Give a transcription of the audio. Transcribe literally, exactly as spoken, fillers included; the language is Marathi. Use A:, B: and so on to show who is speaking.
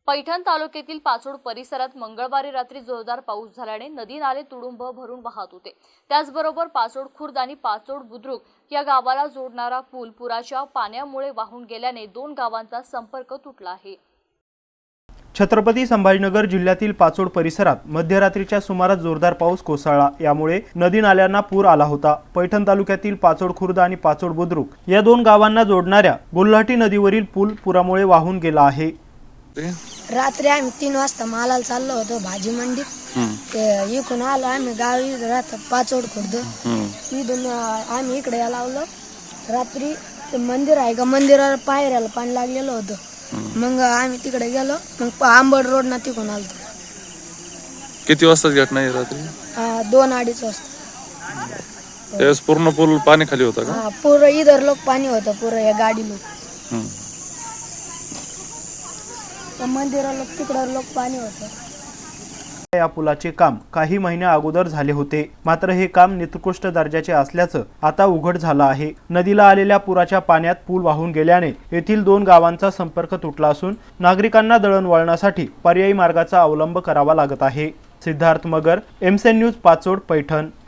A: पैठण तालुक्यातील पाचोड परिसरात मंगळवारी रात्री जोरदार पाऊस झाल्याने नदी नाले तुडुंब भरून वाहत होते। त्याचबरोबर पाचोड खुर्द आणि पाचोड बुद्रुक या गावाला जोडणारा पूल पुराच्या पाण्यामुळे वाहून गेल्याने दोन गावांचा संपर्क तुटला आहे।
B: छत्रपती संभाजीनगर जिल्ह्यातील पाचोड परिसरात मध्यरात्रीच्या सुमारास जोरदार पाऊस कोसळला। यामुळे नदी नाल्यांना पूर आला होता। पैठण तालुक्यातील पाचोड खुर्द आणि पाचोड बुद्रुक या दोन गावांना जोडणाऱ्या गुल्हाटी नदीवरील पूल पुरामुळे वाहून गेला आहे।
C: रात्री आम्ही तीन वाजता मालाला चाललो होतो भाजी मंडीत। इकडून आलो आम्ही गावी राहतो पाचोड खुर्द। इथून आम्ही इकडे लावलो। रात्री मंदिर आहे का मंदिरावर पायऱ्याला पाणी लागलेलं होतं। मग आम्ही तिकडे गेलो। मग आंबड रोड ना तिकडून आलो।
D: किती वाजता घटना आहे रात्री?
C: दोन अडीच वाजता।
D: त्यावेळेस पूर्ण पूल पाणी खाली होता का?
C: हा, पूर्ण इधर लोक पाणी होतं, पूर्ण या गाडी लोक मंदिराला तिकडं लोक पाणी होतं।
B: या पुलाचे काम काही महिन्या अगोदर झाले होते, मात्र हे काम निकृष्ट दर्जाचे असल्याचं आता उघड झालं आहे। नदीला आलेल्या पुराच्या पाण्यात पूल वाहून गेल्याने येथील दोन गावांचा संपर्क तुटला असून नागरिकांना दळणवळणासाठी पर्यायी मार्गाचा अवलंब करावा लागत आहे। सिद्धार्थ मगर, एमसेन न्यूज, पाचोड, पैठण।